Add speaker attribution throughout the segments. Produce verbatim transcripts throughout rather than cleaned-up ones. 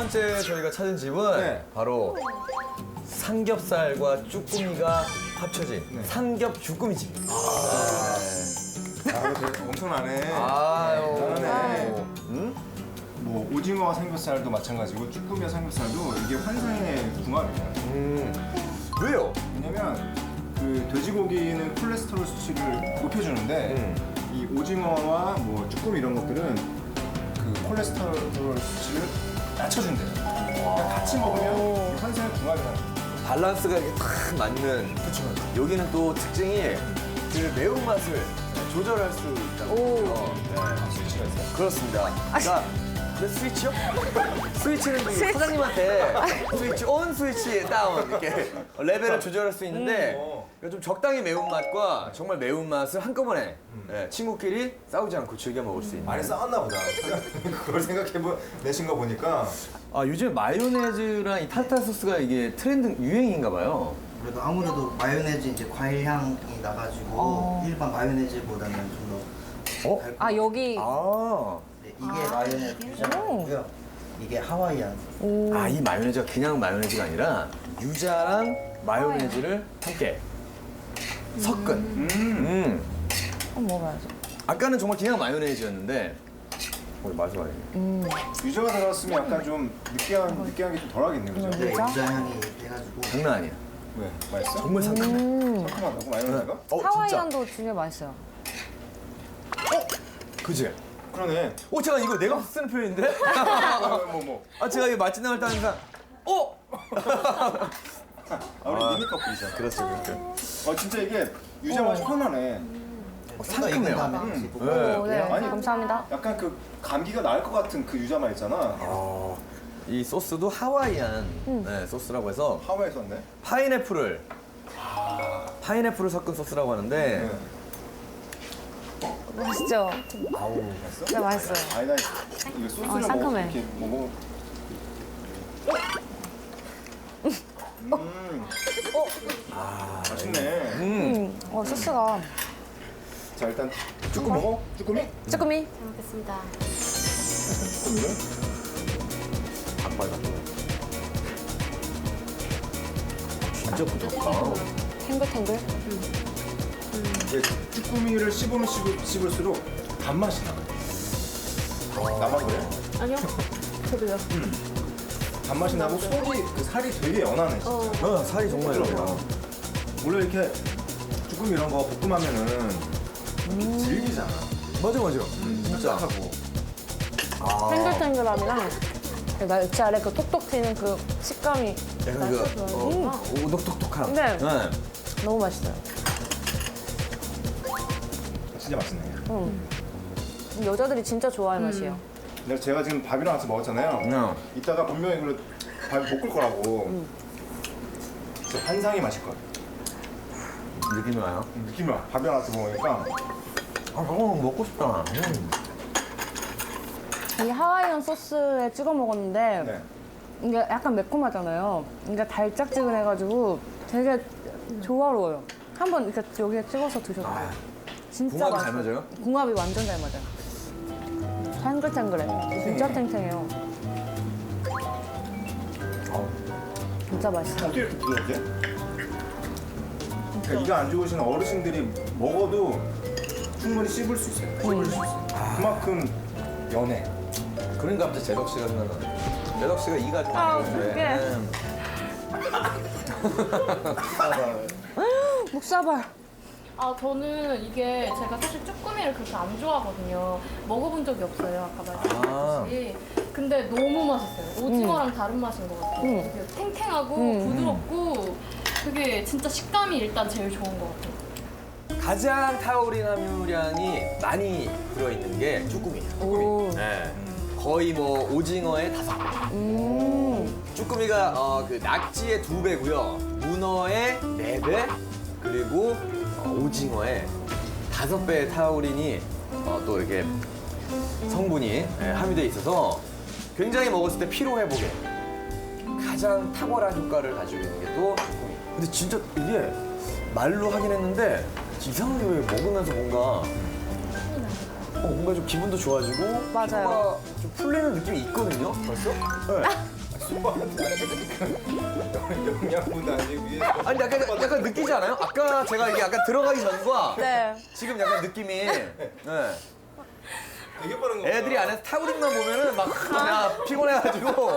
Speaker 1: 번째 저희가 찾은 집은
Speaker 2: 네.
Speaker 1: 바로 삼겹살과 쭈꾸미가 합쳐진 삼겹 쭈꾸미 집입니다.
Speaker 2: 아, 이거 되게 엄청나네.
Speaker 1: 아유.
Speaker 2: 잘하네.
Speaker 1: 음?
Speaker 2: 뭐 오징어와 삼겹살도 마찬가지고 쭈꾸미와 삼겹살도 이게 환상의 궁합이에요.
Speaker 1: 음. 왜요?
Speaker 2: 왜냐면 그 돼지고기는 콜레스테롤 수치를 높여주는데
Speaker 1: 음.
Speaker 2: 이 오징어와 뭐 쭈꾸미 이런 것들은 그 콜레스테롤 수치를 낮춰준대요. 그러니까 같이 먹으면 환상의 궁합이라는 거예요.
Speaker 1: 밸런스가 이렇게 딱 맞는. 그렇죠. 여기는 또 특징이 그 매운맛을 조절할 수 있다고. 오. 네.
Speaker 2: 스위치가 있어요.
Speaker 1: 그렇습니다. 그러니까 네, 스위치요? 스위치는 그 사장님한테 스위치 온, 스위치 다운 이렇게 레벨을 조절할 수 있는데 그러니까 좀 적당히 매운맛과 정말 매운맛을 한꺼번에 네, 친구끼리 싸우지 않고 즐겨 먹을 수 있는.
Speaker 2: 많이 싸웠나 보다. 그걸 생각해보 내신 거 보니까
Speaker 1: 아, 요즘 마요네즈랑 이 타르타르 소스가 이게 트렌드 유행인가 봐요.
Speaker 3: 그래도 아무래도 마요네즈 이제 과일 향이 나가지고 일반 마요네즈보다는 좀 더
Speaker 1: 어?
Speaker 3: 달콤.
Speaker 4: 아 여기
Speaker 1: 아,
Speaker 3: 네, 이게 마요네즈 유자고요. 이게 하와이안.
Speaker 1: 아, 이 마요네즈가 그냥 마요네즈가 아니라 유자랑 마요네즈를 함께 섞은.
Speaker 2: 음.
Speaker 1: 음.
Speaker 4: 한번 먹어야죠.
Speaker 1: 아까는 정말 그냥 마요네즈였는데 우리 마지막에
Speaker 2: 유자가 들어갔으면 약간 좀 느끼한 느끼한 게 좀 덜하겠네요, 그죠?
Speaker 3: 네,
Speaker 4: 유자?
Speaker 3: 유자 향이 돼가지고.
Speaker 1: 장난 아니야.
Speaker 2: 왜 맛있어?
Speaker 1: 정말 상큼해.
Speaker 2: 상큼하다고 마요네즈가?
Speaker 1: 어, 진짜.
Speaker 4: 하와이안도 진짜 맛있어요.
Speaker 1: 그지?
Speaker 2: 그러네.
Speaker 1: 어, 잠깐 이거 내가 쓰는 표현인데?
Speaker 2: 뭐 뭐.
Speaker 1: 아, 제가 이 맛집 나갈 때 항상 어?
Speaker 2: 아, 우리 미니 커플이잖아.
Speaker 1: 그렇죠, 그렇죠.
Speaker 2: 아 진짜 이게 유자 맛이 편하네.
Speaker 1: 상큼해요.
Speaker 3: 익은 다음에
Speaker 1: 음.
Speaker 3: 같이 볶아.
Speaker 1: 네.
Speaker 4: 오, 네,
Speaker 2: 아니,
Speaker 4: 감사합니다.
Speaker 2: 약간 그 감기가 나을 것 같은 그 유자 맛 있잖아.
Speaker 1: 아, 이 소스도 하와이안 네, 소스라고 해서
Speaker 2: 하와이에 썼네.
Speaker 1: 파인애플을 파인애플을 섞은 소스라고 하는데
Speaker 2: 네.
Speaker 4: 맛있죠?
Speaker 1: 아우
Speaker 2: 맛있어?
Speaker 4: 네, 맛있어요.
Speaker 2: 아니다. 이거 소스를
Speaker 4: 아,
Speaker 2: 먹어
Speaker 4: 상큼해.
Speaker 2: 이렇게 먹어. 음. 아, 맛있네.
Speaker 1: 음.
Speaker 4: 음, 어, 소스가.
Speaker 2: 자 일단 쭈꾸미 먹어. 쭈꾸미?
Speaker 4: 쭈꾸미.
Speaker 5: 잘 먹겠습니다.
Speaker 2: 쭈꾸미를.
Speaker 1: 닭발 같은 거. 진짜 부드럽다.
Speaker 4: 탱글탱글.
Speaker 2: 이게 쭈꾸미를 씹으면 씹을, 씹을수록 단맛이 나. 나만 그래?
Speaker 5: 아니요. 저도요.
Speaker 2: 단맛이 나고 속이 그 살이 되게 연하네 진짜.
Speaker 1: 어, 살이 정말
Speaker 2: 부드럽다.
Speaker 1: 좋아.
Speaker 2: 원래 이렇게 쭈꾸미 이런 거 볶음하면은 질기잖아.
Speaker 1: 맞아, 맞아.
Speaker 2: 진짜 하고.
Speaker 1: 아,
Speaker 4: 탱글탱글함이랑 그 날치 아래 그 톡톡 튀는 그 식감이
Speaker 1: 약간 그 어, 오독톡톡함.
Speaker 4: 네.
Speaker 1: 네.
Speaker 4: 너무 맛있어요.
Speaker 2: 진짜 맛있네.
Speaker 4: 음. 여자들이 진짜 좋아할 맛이에요.
Speaker 2: 내가 제가 지금 밥이랑 같이 먹었잖아요.
Speaker 1: 네.
Speaker 2: 이따가 분명히 이걸 밥 볶을 거라고. 진짜 환상의 맛일 거야.
Speaker 1: 느낌이 와요.
Speaker 2: 느낌이 와. 밥이랑 같이 먹으니까.
Speaker 1: 아, 저거 먹고 싶다. 음.
Speaker 4: 이 하와이안 소스에 찍어 먹었는데
Speaker 2: 네.
Speaker 4: 이게 약간 매콤하잖아요. 이게 달짝지근해가지고 되게 조화로워요. 한번 이렇게 여기에 찍어서 드셔도 돼요. 진짜
Speaker 1: 궁합이 잘
Speaker 4: 맛있어요.
Speaker 1: 맞아요?
Speaker 4: 궁합이 완전 잘 맞아요. 탱글탱글해. 진짜 탱탱해요. 진짜 맛있어요.
Speaker 2: 어떻게 이렇게 부드럽게? 그러니까 이가 안 좋으신 어르신들이 먹어도 충분히 씹을 수 있어요. 씹을 수 있어요. 그만큼 연해.
Speaker 1: 그러니까 갑자기 제덕 씨가 생각나네. 제덕 씨가 이가 좀
Speaker 4: 아,
Speaker 1: 안 좋은데.
Speaker 4: 어떡해. 묵사발.
Speaker 5: 아 저는 이게 제가 사실 쭈꾸미를 그렇게 안 좋아하거든요. 먹어본 적이 없어요. 아까 말씀드렸듯이. 근데 너무 맛있어요. 오징어랑 다른 맛인 것 같아요.
Speaker 4: 음.
Speaker 5: 되게 탱탱하고
Speaker 4: 음.
Speaker 5: 부드럽고 되게 진짜 식감이 일단 제일 좋은 것 같아요.
Speaker 1: 가장 타우린 함유량이 많이 들어있는 게 쭈꾸미예요.
Speaker 4: 오.
Speaker 1: 네. 거의 뭐 오징어의 다섯 배.
Speaker 4: 음.
Speaker 1: 쭈꾸미가 어, 그 낙지의 두 배고요. 문어의 네 배. 그리고 어, 오징어의 다섯 배의 타우린이 어, 또 이렇게 성분이 예, 함유되어 있어서 굉장히 먹었을 때 피로 회복에 가장 탁월한 효과를 가지고 있는 게 또 쭈꾸미. 근데 진짜 이게 말로 하긴 했는데 이상하게 왜 먹으면서 뭔가 어, 뭔가 좀 기분도 좋아지고
Speaker 4: 맞아요.
Speaker 1: 뭔가 좀 풀리는 느낌이 있거든요. 벌써? 네.
Speaker 2: 영양분 아니기 위해.
Speaker 1: 아니 약간 약간 느끼지 않아요? 아까 제가 이게 약간 들어가기 전과
Speaker 4: 네.
Speaker 1: 지금 약간 느낌이 네.
Speaker 2: 되게 빠른 거.
Speaker 1: 애들이 안에서 타우린만 보면은 막 그냥 피곤해가지고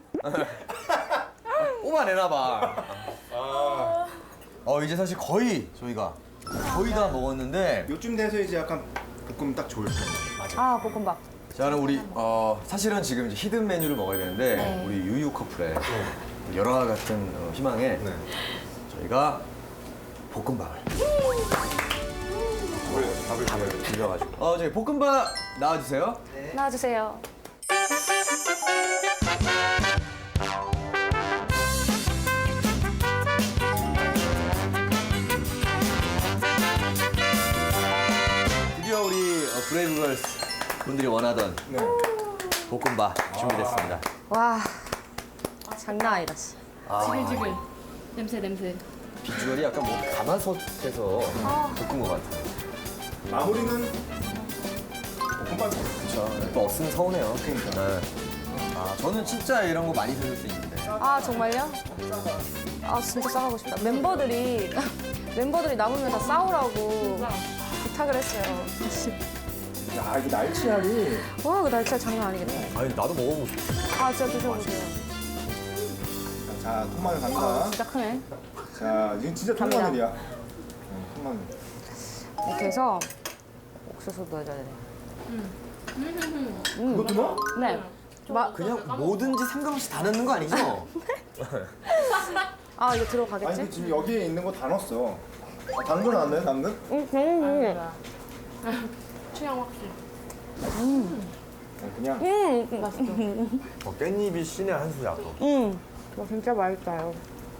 Speaker 1: 뽑아내나 봐.
Speaker 2: 아,
Speaker 1: 어 이제 사실 거의 저희가 거의 다 먹었는데
Speaker 2: 요쯤 돼서 이제 약간 볶음 딱 좋을 때.
Speaker 4: 아, 볶음밥.
Speaker 1: 자 그럼 우리 어 사실은 지금 이제 히든 메뉴를 먹어야 되는데
Speaker 5: 네.
Speaker 1: 우리 유유 커플의 열화 같은 어, 희망에
Speaker 2: 네.
Speaker 1: 저희가 볶음밥을
Speaker 2: 밥을 밥을 줘요.
Speaker 1: 비벼가지고 어 저희 볶음밥 나와주세요.
Speaker 4: 나와주세요.
Speaker 1: 드디어 우리 어, 브레이브걸스 분들이 원하던
Speaker 2: 네.
Speaker 1: 볶음밥 준비됐습니다.
Speaker 4: 와, 장난 아니다. 씨.
Speaker 1: 아,
Speaker 5: 지글지글. 냄새 냄새.
Speaker 1: 비주얼이 약간 뭐 가마솥에서 볶은 것 같아요.
Speaker 2: 마무리는 볶음밥.
Speaker 1: 그렇죠. 또 없으면 서운해요.
Speaker 2: 그러니까.
Speaker 1: 아 저는 진짜 이런 거 많이 드실 수 있는데.
Speaker 4: 아, 정말요? 아, 진짜 싸가고 싶다. 멤버들이, 멤버들이 남으면 다 싸우라고 부탁을 했어요.
Speaker 2: 야, 이거 날치알이.
Speaker 4: 와, 그 날짜 장난 아니겠다.
Speaker 1: 아니 나도 먹어보고 싶어.
Speaker 4: 아, 진짜 드셔보세요.
Speaker 2: 자, 통마늘
Speaker 4: 아,
Speaker 2: 갑니다.
Speaker 4: 진짜 크네.
Speaker 2: 자, 이건 진짜
Speaker 4: 갑니다.
Speaker 2: 통마늘이야. 응, 통마늘.
Speaker 4: 이렇게 해서 옥수수 넣어줘야 돼.
Speaker 2: 그것도 넣어?
Speaker 4: 네. 마,
Speaker 1: 그냥 뭐든지 상관없이 다 넣는 거 아니죠?
Speaker 4: 아, 이거
Speaker 2: 아니,
Speaker 4: 들어가겠지?
Speaker 2: 근데 지금 여기에 있는 거 다 넣었어. 아, 당근 안 넣어요, 당근?
Speaker 4: 응, 응,
Speaker 5: 취향 확실.
Speaker 2: 네, 그냥.
Speaker 4: 응. 응, 맛있어.
Speaker 1: 어, 깻잎이 신의 한 수야 또.
Speaker 4: 응. 와, 진짜 맛있어요.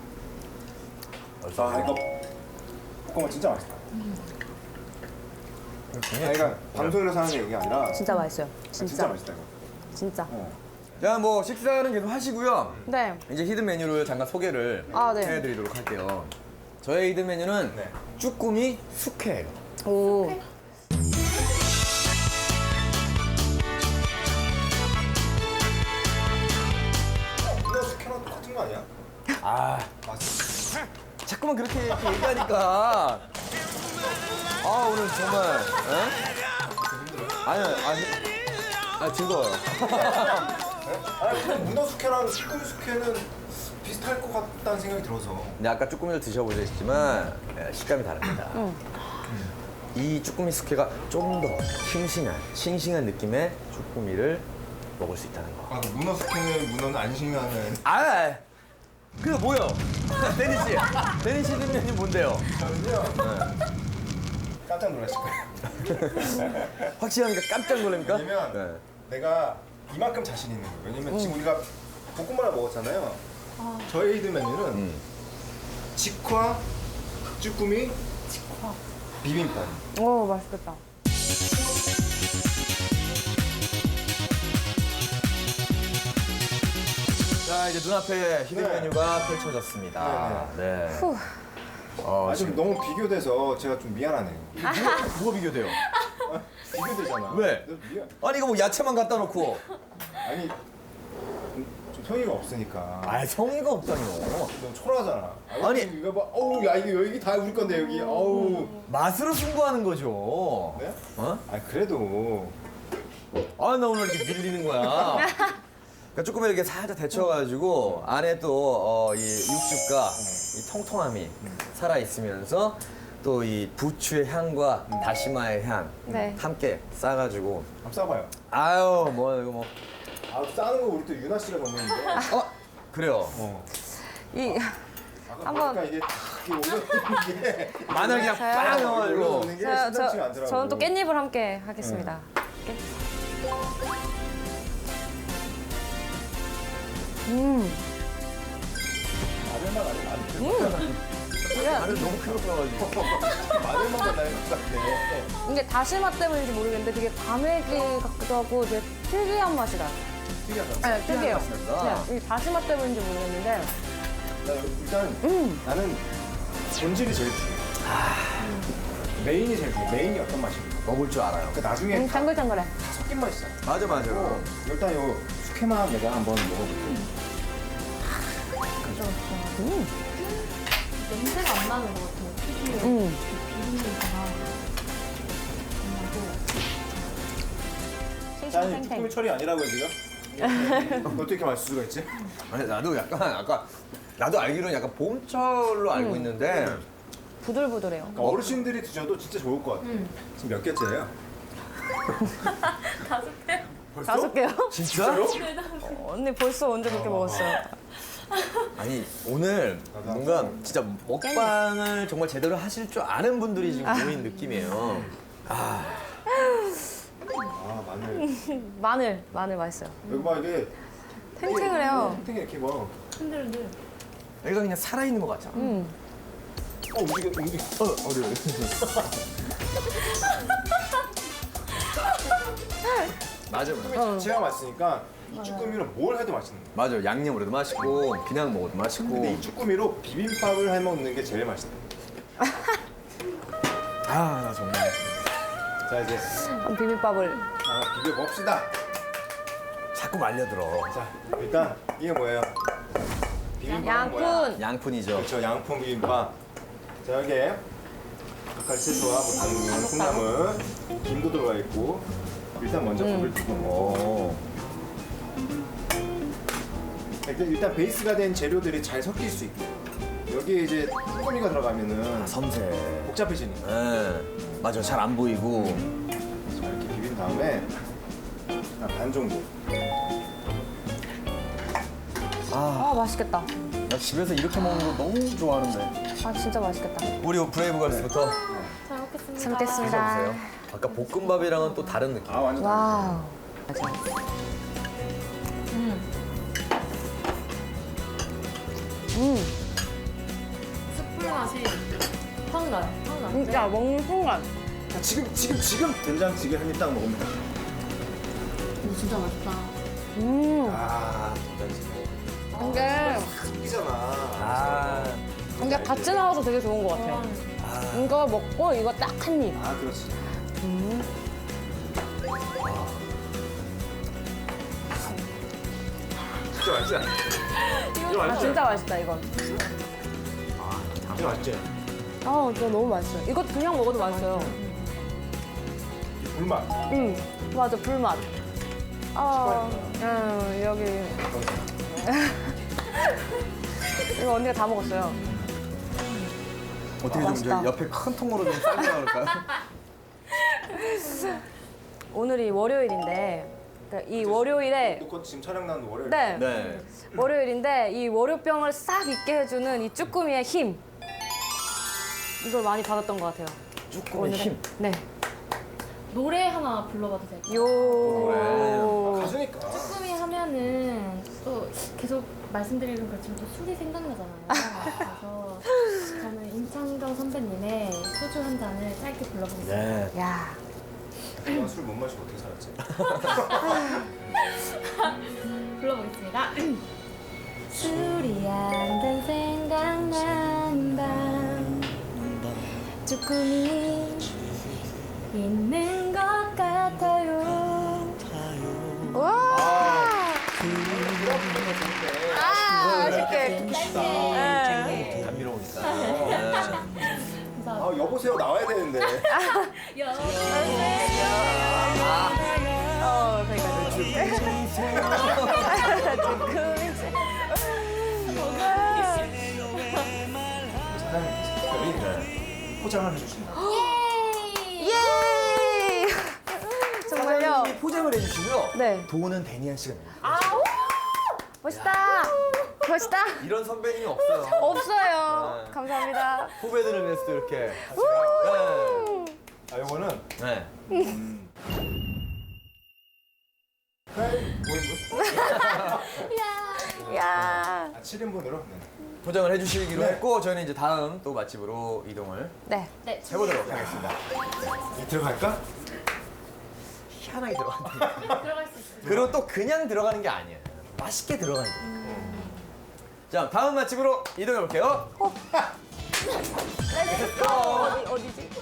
Speaker 2: 아, 이거 볶음밥 진짜 맛있다. 아, 이거 방송에서 하는 얘기가 아니라
Speaker 4: 진짜 맛있어요.
Speaker 2: 아,
Speaker 4: 진짜.
Speaker 2: 진짜 맛있다 이거.
Speaker 4: 진짜.
Speaker 2: 어.
Speaker 1: 자, 뭐 식사는 계속 하시고요.
Speaker 4: 네.
Speaker 1: 이제 히든 메뉴를 잠깐 소개를
Speaker 4: 아, 네.
Speaker 1: 해드리도록 할게요. 저의 히든 메뉴는
Speaker 2: 네.
Speaker 1: 쭈꾸미 숙회예요.
Speaker 4: 오.
Speaker 2: 이거 숙회랑 똑같은 거 아니야?
Speaker 1: 아,
Speaker 2: 맞아.
Speaker 1: 자꾸만 그렇게, 이렇게 얘기하니까. 아, 오늘 정말. 에? 아니, 아니. 아, 즐거워요.
Speaker 2: 아니, 근데 문어 숙회랑 쭈꾸미 숙회는 비슷할 것 같다는 생각이 들어서.
Speaker 1: 근데 아까 쭈꾸미를 드셔보셨지만 예, 식감이 다릅니다. 이 쭈꾸미 숙회가 좀 더 싱싱한, 싱싱한 느낌의 쭈꾸미를 먹을 수 있다는 거.
Speaker 2: 아, 문어 숙회는 문어는 안심하는.
Speaker 1: 아, 그게 뭐요? 데니 씨, 데니 씨 히든 메뉴 뭔데요?
Speaker 2: 저는요. 깜짝 놀라실 거예요.
Speaker 1: 확실합니까? 깜짝 놀랍니까?
Speaker 2: 왜냐면
Speaker 1: 네.
Speaker 2: 내가 이만큼 자신 있는 거예요. 왜냐면 지금 우리가 볶음밥을 먹었잖아요. 저의 히든 메뉴는
Speaker 1: 음.
Speaker 2: 직화, 쭈꾸미, 비빔밥.
Speaker 4: 오, 맛있겠다.
Speaker 1: 자, 이제 눈앞에 히든
Speaker 2: 네.
Speaker 1: 메뉴가 펼쳐졌습니다. 네.
Speaker 4: 후.
Speaker 1: 어,
Speaker 2: 아, 좀
Speaker 1: 지금
Speaker 2: 너무 비교돼서 제가 좀 미안하네요.
Speaker 1: 뭐가, 뭐가 비교돼요?
Speaker 2: 비교되잖아.
Speaker 1: 왜?
Speaker 2: 너 미안.
Speaker 1: 아니, 이거 뭐 야채만 갖다 놓고.
Speaker 2: 아니, 좀 성의가 없으니까.
Speaker 1: 아, 성의가 없다뇨.
Speaker 2: 너무 초라하잖아.
Speaker 1: 아니.
Speaker 2: 이거 봐. 어우, 야, 이거 여기 다 우리 건데, 여기. 어우.
Speaker 1: 맛으로 승부하는 거죠.
Speaker 2: 네?
Speaker 1: 어?
Speaker 2: 아, 그래도.
Speaker 1: 아, 나 오늘 이렇게 밀리는 거야. 그러니까 조금 이렇게 살짝 데쳐가지고 안에 또 어, 이 육즙과 이 통통함이 살아있으면서 또 이 부추의 향과 다시마의 향
Speaker 4: 네.
Speaker 1: 함께 싸가지고
Speaker 2: 한번 싸봐요.
Speaker 1: 아유 뭐 이거 뭐
Speaker 2: 아, 싸는 거 우리 또 유나 씨가 전문인데.
Speaker 1: 어? 그래요.
Speaker 2: 어.
Speaker 4: 이,
Speaker 2: 아까
Speaker 4: 한번-
Speaker 2: 보니까 이게 탁 이렇게 올려놓는 게.
Speaker 1: 마늘 그냥
Speaker 4: 저요?
Speaker 1: 빵 넣어가지고
Speaker 2: 올려놓는 게
Speaker 4: 저,
Speaker 2: 심상치가
Speaker 4: 저,
Speaker 2: 않더라고.
Speaker 4: 저는 또 깻잎을 함께 하겠습니다. 음.
Speaker 2: 마늘만 아니면 안 돼.
Speaker 4: 이게,
Speaker 1: 마늘 너무 크게 넣어가지고
Speaker 2: 마늘만 달라는 것 같아.
Speaker 4: 이게 다시마 때문인지 모르겠는데 되게 과메기 같기도 하고 되게 특이한 맛이 나요.
Speaker 2: 특이하다.
Speaker 4: 네, 특이해요.
Speaker 1: 맛이 난다.
Speaker 4: 네, 이게 다시마 때문인지 모르겠는데
Speaker 2: 나 일단
Speaker 4: 음.
Speaker 2: 나는 본질이 제일 중요해. 메인이 제일 중요해. 메인이 어떤 맛입니까?
Speaker 1: 먹을 줄 알아요.
Speaker 2: 그러니까 나중에
Speaker 4: 음,
Speaker 2: 다
Speaker 4: 짱글짱글해.
Speaker 2: 섞인 맛이잖아.
Speaker 1: 맞아 맞아.
Speaker 2: 어, 일단 요 숙회만 내가 한번 먹어볼게.
Speaker 4: 음.
Speaker 5: 냄새가 안 나는 것 같아요. 특유의
Speaker 4: 음.
Speaker 5: 비린내가 안
Speaker 2: 짠이
Speaker 4: 탱탱탱.
Speaker 2: 쭈꾸미 철이 아니라고요 지금? 어떻게 이렇게 맛있을 수가 있지?
Speaker 1: 아니 나도 약간 아까 나도 알기로는 약간 봄철로 알고
Speaker 4: 음.
Speaker 1: 있는데
Speaker 4: 부들부들해요.
Speaker 2: 그러니까 어르신들이 드셔도 진짜 좋을 것 같아요. 지금 몇 개째예요?
Speaker 5: 다섯 개?
Speaker 2: 벌써?
Speaker 4: 다섯 개요?
Speaker 1: 진짜?
Speaker 4: 어, 언니 벌써 언제 그렇게 먹었어요?
Speaker 1: 아니 오늘 뭔가 진짜 먹방을 정말 제대로 하실 줄 아는 분들이 지금 모인 느낌이에요. 아
Speaker 2: 아 마늘.
Speaker 4: 마늘, 마늘 맛있어요.
Speaker 2: 여기 봐 이게
Speaker 4: 탱탱을 해요.
Speaker 2: 탱탱이 이렇게 막.
Speaker 5: 흔들흔들.
Speaker 1: 여기가 그냥 살아있는 것 같잖아.
Speaker 4: 음.
Speaker 2: 어 움직여 움직여. 어 어려워.
Speaker 1: 맞아
Speaker 2: 쭈꾸미
Speaker 1: 맞아.
Speaker 2: 자체가 맛있으니까 이 쭈꾸미로 뭘 해도 맛있는 거야.
Speaker 1: 맞아 양념으로 해도 맛있고 그냥 먹어도 맛있고.
Speaker 2: 근데 이 쭈꾸미로 비빔밥을 해 먹는 게 제일 맛있다.
Speaker 1: 아 나 정말.
Speaker 2: 자 이제
Speaker 4: 그럼 비빔밥을.
Speaker 2: 아, 비벼 봅시다.
Speaker 1: 자꾸 말려들어.
Speaker 2: 자 일단 이게 뭐예요? 비빔밥은 뭐야?
Speaker 4: 양푼.
Speaker 1: 양푼이죠.
Speaker 2: 그렇죠 양푼 비빔밥. 자 여기에 젓갈 채소와 뭐 당근, 콩나물, 김도 들어가 있고 일단 먼저 밥을 두고
Speaker 1: 오.
Speaker 2: 일단, 일단 베이스가 된 재료들이 잘 섞일 수 있게 여기에 이제 쭈꾸미가 들어가면은
Speaker 1: 섬세.
Speaker 2: 복잡해지니까
Speaker 1: 예. 맞아 잘 안 보이고.
Speaker 2: 자, 이렇게 비빈 다음에 한 반 정도
Speaker 1: 아,
Speaker 4: 아, 맛있겠다.
Speaker 1: 나 집에서 이렇게 먹는 거 너무 좋아하는데.
Speaker 4: 아, 진짜 맛있겠다.
Speaker 1: 우리 브레이브걸스부터
Speaker 5: 잘 먹겠습니다.
Speaker 4: 잘 먹겠습니다.
Speaker 1: 드셔보세요. 아까 볶음밥이랑은 또 다른 느낌.
Speaker 2: 아 완전
Speaker 4: 와우.
Speaker 5: 음.
Speaker 4: 음,
Speaker 5: 숯불 맛이 확 나요. 확 나요.
Speaker 4: 진짜 먹는 순간.
Speaker 2: 자, 지금 지금 지금 된장찌개 한 입 딱 먹으면 돼.
Speaker 5: 이거 진짜 맛있다.
Speaker 4: 음,
Speaker 2: 아 된장찌개
Speaker 4: 이게,
Speaker 2: 섞이잖아.
Speaker 1: 아,
Speaker 4: 이게 같이 나와서 되게 좋은 것 같아요. 이거 먹고 이거 딱 한 입.
Speaker 2: 아 그렇지.
Speaker 4: 음.
Speaker 2: 진짜 맛있지? 이거
Speaker 4: 아,
Speaker 2: 맛있지?
Speaker 4: 진짜 맛있다, 이건.
Speaker 2: 이거 맛있지?
Speaker 4: 아, 이거 너무 맛있어요. 이거 그냥 먹어도 맛있어요.
Speaker 2: 불맛.
Speaker 4: 음, 맞아, 불맛. 아, 음, 여기. 이거 언니가 다 먹었어요.
Speaker 1: 어떻게 좀 이제
Speaker 4: 맛있다.
Speaker 1: 옆에 큰 통으로 좀 쌀고 나올까요?
Speaker 4: 오늘이 월요일인데, 그러니까 이 월요일에,
Speaker 2: 놓고 지금 촬영 나는 월요일.
Speaker 4: 네,
Speaker 1: 네.
Speaker 4: 월요일인데 이 월요병을 싹 잊게 해주는 이 쭈꾸미의 힘. 이걸 많이 받았던 것 같아요.
Speaker 1: 쭈꾸미 힘.
Speaker 4: 네.
Speaker 5: 노래 하나 불러봐도 될까요?
Speaker 4: 요.
Speaker 2: 가수니까.
Speaker 5: 쭈꾸미 하면은 또 계속 말씀드리는 그렇지만 또 술이 생각나잖아요. 그래서 저는 임창정 선배님의 소주 한 잔을 짧게 불러보겠습니다.
Speaker 1: 네.
Speaker 4: 야.
Speaker 2: 내가 술 못 마시고 어떻게 살았지?
Speaker 5: 불러보겠습니다. 술이 한 잔 생각나는 밤 쭈꾸미 있는 것 같아요.
Speaker 4: 와. 아, 맛있게. 네.
Speaker 1: 감미로우니까.
Speaker 2: 아 여보세요 나와야 되는데.
Speaker 4: 어, 그러니까 쭈꾸미.
Speaker 2: 사장님께서 포장을 해주신다.
Speaker 4: 예! 정말요?
Speaker 1: 사장님이 포장을 해주시고요.
Speaker 4: 네.
Speaker 1: 돈은 데니안 씨가 냅니다.
Speaker 4: 멋있다. 멋있다.
Speaker 1: 이런 선배님이 없어요.
Speaker 4: 없어요.
Speaker 1: 네.
Speaker 4: 감사합니다.
Speaker 1: 후배들을 위해서 또 이렇게. 네.
Speaker 2: 아 요거는
Speaker 1: 네.
Speaker 2: 뭐
Speaker 4: 야.
Speaker 2: 아 칠 인분으로? 네.
Speaker 1: 포장을 해주시기로
Speaker 2: 네.
Speaker 1: 했고 저희는 이제 다음 또 맛집으로 이동을
Speaker 4: 네.
Speaker 5: 네,
Speaker 1: 해보도록 하겠습니다.
Speaker 2: 이 들어갈까?
Speaker 1: 희한하게 들어간다.
Speaker 5: 들어갈 수 있어요.
Speaker 1: 그리고 또 그냥 들어가는 게 아니에요. 맛있게 들어가야 돼요. 자, 다음 맛집으로 이동해 볼게요.
Speaker 4: 어디, 어디지?